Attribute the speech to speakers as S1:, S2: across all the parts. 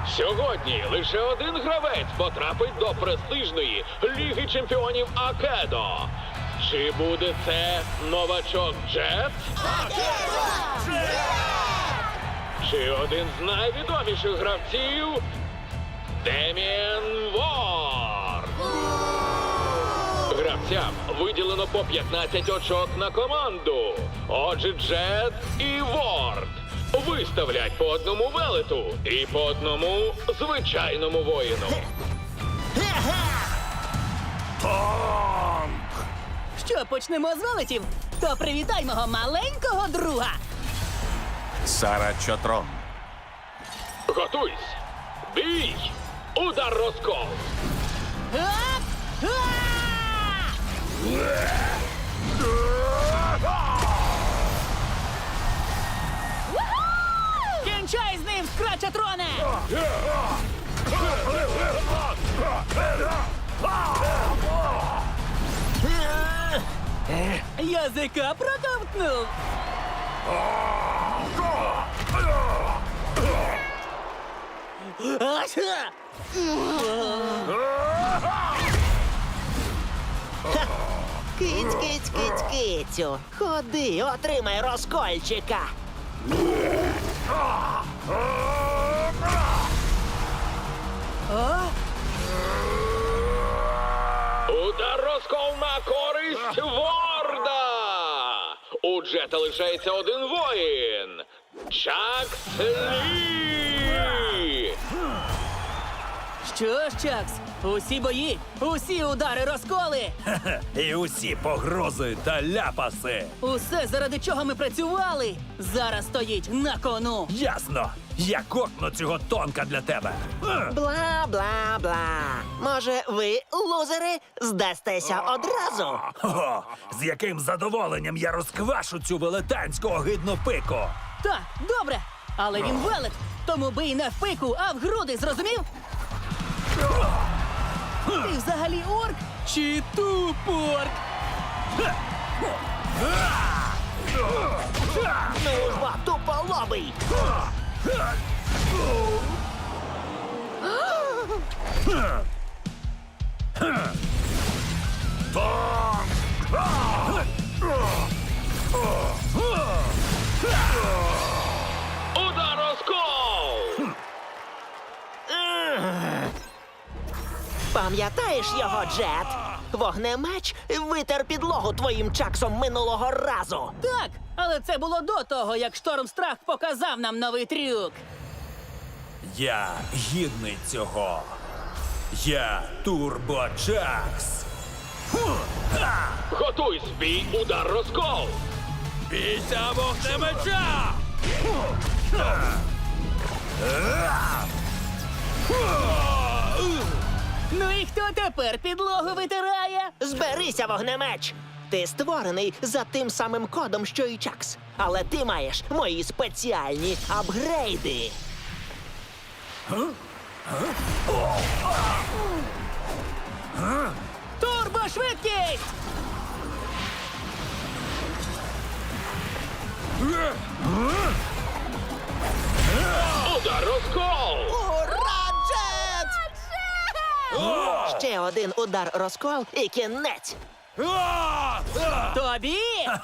S1: Сьогодні лише один гравець потрапить до престижної Ліги Чемпіонів Акедо. Чи буде це новачок Джет? Чи один з найвідоміших гравців Деміен Ворд? Гравцям виділено по 15 очок на команду. Отже, Джет і Ворд виставлять по одному велету і по одному звичайному воїну.
S2: Що, почнемо з велетів? То привітай мого маленького друга.
S3: Сара Чотрон.
S1: Готуйсь! Бій! Удар розкол!
S2: Ап! Кінчай з ним, Скрачатроне! Язика проковтнув!
S4: Киць. Ходи, отримай розкольчика.
S1: Удар розкол на користь Ворда! У Джета лишається один воїн. Чакс Лі!
S2: Що ж, Чакс, усі бої, усі удари розколи!
S5: І усі погрози та ляпаси.
S2: Усе, заради чого ми працювали, зараз стоїть на кону.
S5: Ясно. Я кокну цього тонка для тебе.
S4: Бла-бла-бла. Може, ви, лузери, здастеся одразу?
S5: О, з яким задоволенням я розквашу цю велетанську огидну пику.
S2: Так, добре, але він велет, тому бий не в пику, а в груди, зрозумів? Ти взагалі орк чи тупорк?
S4: Ну ж бо, туполобий!
S1: Удар розкол!
S4: Пам'ятаєш його, Джет? Вогнемеч витер підлогу твоїм чаксом минулого разу.
S2: Так, але це було до того, як Штормстрах показав нам новий трюк.
S5: Я гідний цього. Я Турбочакс.
S1: Готуйсь, бій, удар розкол!
S5: Бійся вогнемеча!
S2: Ну і хто тепер підлогу витирає?
S4: Зберися, вогнемеч! Ти створений за тим самим кодом, що і Чакс. Але ти маєш мої спеціальні апгрейди.
S2: Турбошвидкість!
S1: Удар розкол!
S4: Ура, Джет! Ще один удар розкол і кінець.
S2: Тобі!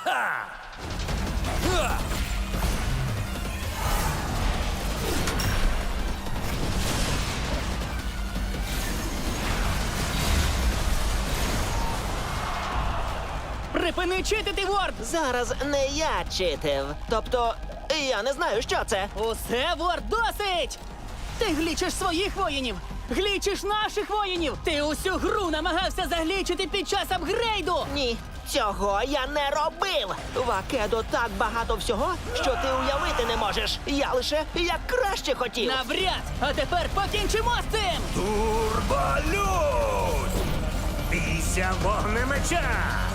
S2: Припини читити, Ворд!
S4: Зараз не я читив. Тобто, я не знаю, що це.
S2: Усе, Ворд, досить! Ти глічиш своїх воїнів! Глічиш наших воїнів! Ти усю гру намагався заглічити під час апгрейду!
S4: Ні, цього я не робив. В Акедо так багато всього, що ти уявити не можеш. Я лише як краще хотів.
S2: Навряд! А тепер покінчимо з цим!
S5: Турболюд! Бійся вогнемеча!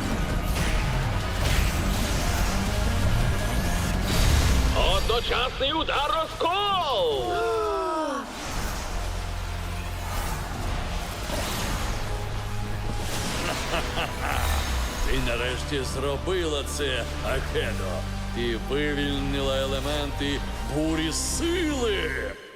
S1: Одночасний удар розкол!
S6: Ти нарешті зробила це, Акедо. Ти вивільнила елементи бурі сили.